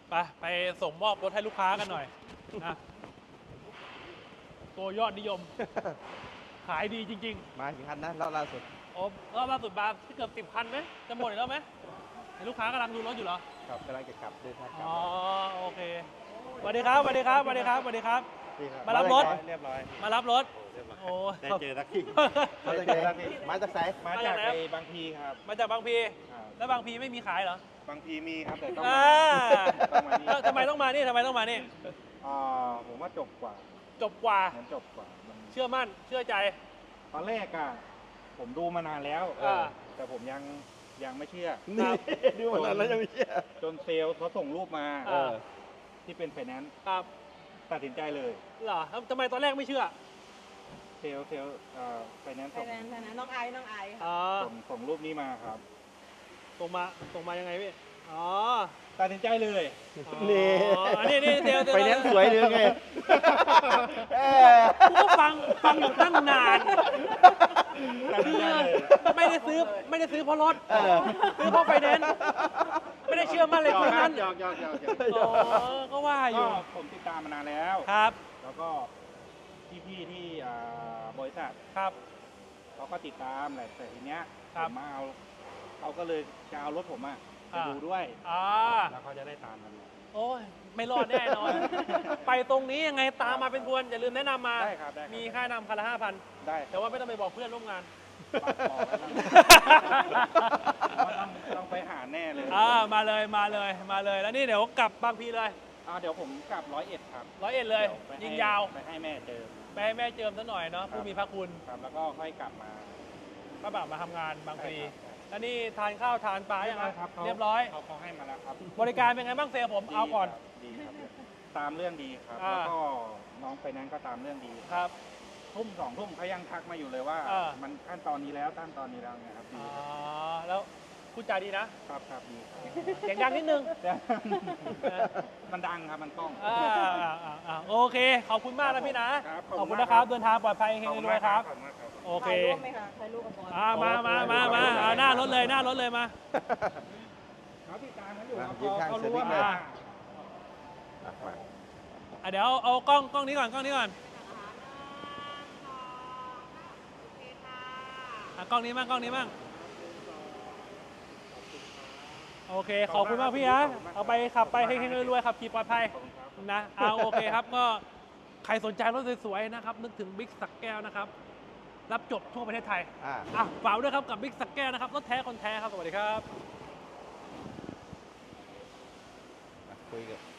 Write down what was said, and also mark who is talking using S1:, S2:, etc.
S1: ไปส่งมอบรถให้ลูกค้ากันหน่อยนะตัวยอดนิยม ขายดีจริง
S2: มากี่คันนะรอบล่าสุด
S1: ๆโอ้รอบล่าสุดมาที่เกือบ10 คันไหมจะหมดอีกแล้วไหมเห็นลูกค้ากำลังดูรถอยู่เหรอ
S2: ครับกำลังจะกลับเดินทางกลับ
S1: อ๋อโอเคสวัสดีครับสวัสดีครับสวัสดีครับสวัสดีครับ มารับรถ
S2: เรียบร้อย
S1: มารับรถ
S2: เรียบร้อย
S1: โอ้
S2: ได้เจอสักทีมาจากไหนมาจากไหน
S3: มาจากไอ้บางพีครับ
S1: มาจากบางพี
S3: ครับ
S1: แล้วบางพีไม่มีขายเหรอบ
S3: างพีมีครับแต่ต้อง
S1: อ่า
S3: ต้องมานี่
S1: ทำไมต้องมานี่ทำไมต้องมานี่
S3: ผมว่าจบกว่า
S1: จบกว่า
S3: เหมือนจบกว่ามัน
S1: เชื่อมั่นเชื่อใจ
S3: ตอนแรกอะผมดูมานานแล้ว แต่ผมยังไม่เชื่อ
S2: นี่ดูมานานแล้วยังไม่เชื่อ
S3: จนเซลล์เขาส่งรูปมา
S1: เออ
S3: ที่เป็นไฟแนนซ์
S1: ครับ
S3: ตัดสินใจเลย
S1: เหรอทำไมตอนแรกไม่เชื่อ
S3: เซลล์ไฟแนนซ์
S4: ไทยแลนด์น้องไอซ์ค่ะ
S1: อ๋อ
S3: ส่งรูปนี้มาครับ
S1: ส่งมายังไงพี่อ๋อ
S3: ตัดสินใจเลย
S2: นี่
S1: อ๋อนี่เซลล์
S2: ไฟแนนซ์สวยหรือไง
S1: กูก็ฟังอยู่ตั้งนาน
S3: ตัดสินใจเลย
S1: ไม่ได้ซื้อเพราะรถซื้อเพราะไฟแนนซ์ไม่ได้เชื่อมั่นเลยตรงนั้น
S3: หยอก
S1: อ๋อก็ว่าอ
S3: ก็
S1: ยู่
S3: ผมติดตามมานานแล้ว
S1: ครับ
S3: แล้วก็พี่ๆที่บริษัท
S1: ครับ
S3: เขาก็ติดตามแหละแต่ทีเนี้ย
S1: ครับ
S3: ผมมาเขาก็เลยจะเอารถผมไปดูด้วย
S1: อ่า
S3: แล้วเขาจะได้ตามกัน
S1: โอ้ยไม่รอดแน่นอน ไปตรงนี้ยังไงตามมาเป็นพวนอย่าลืมแนะนำมา
S3: ได้ครับได้ครับ
S1: มีค่านำคันละ5,000
S3: ได้
S1: แต่ว่าไม่ต้องไปบอกเพื่อนร่วมงาน
S3: บอกไว้แล้วว่าต้องไปหาแน่เลย
S1: มาเลยแล้วนี่เดี๋ยวกลับบางพีเลย
S3: เดี๋ยวผมกลับ101ครับ
S1: 101เลย
S3: ดี๋ไปให้
S1: ยิงยาว
S3: ไปให้แม่เจอ
S1: ไปให้แม่เจิมซะหน่อยเนาะผู้มีพระคุณ
S3: ครับแล้วก็ค่อยกลับมา
S1: ก็แบบมาทำงานบางพี
S3: ใช่ครับ
S1: แล้วนี่ทานข้าวทานปลายังไง
S3: ครับ
S1: เรียบร้อย
S3: เขาให้มาแล้วครับ
S1: บริการเป็นไงบ้างเซลล์ผมเอาก่อน
S3: ดีครับตามเรื่องดีครับ
S1: อ่า
S3: แล้วก็น้องไปนั้นก็ตามเรื่องดี
S1: ครับ
S3: ทุ่ม2 ทุ่มเขายังทักมาอยู่เลยว่า มันขั้นตอนนี้แล้วขั้นตอนนี้แล้วไงครับดี
S1: อ๋อแล้วพูดจาดีนะ
S3: ครับดีครับ
S1: เสียงดังนิดนึง
S3: มันดังครับมันกล้อง
S1: โอเค ขอบคุณมากนะพี่นะ
S3: ครับ
S1: ขอบคุณนะครับ เดินทางปลอดภัยเฮงๆรวยครับ
S3: ขอบคุณมากครับ
S1: โอเค
S4: ถ่ายรูปไหมคะถ่ายรูปกับบอล
S1: มาหน้ารถเลยมา
S3: เขาติดตามกันอยู่ครับ
S2: ยืนข้าง
S3: เขา
S2: เซอร์
S3: รู้
S2: วิ
S3: ว่า
S2: สเลย
S3: มา
S2: มา
S1: เดี๋ยวเอากล้องนี้ก่อนกล้องนี้มั่งโอเค ขอบคุณมากพี่นะเอาไปขับไปเฮงๆรวยๆขับขี่ปลอดภัยนะโอเคครับก็ใครสนใจรถสวยๆนะครับนึกถึงบิ๊กสักแก้วนะครับรับจบทั่วประเทศไทยฝากด้วยครับกับบิ๊กสักแก้วนะครับรถแท้คนแท้ครับสวัสดีครับ
S2: คุยกับ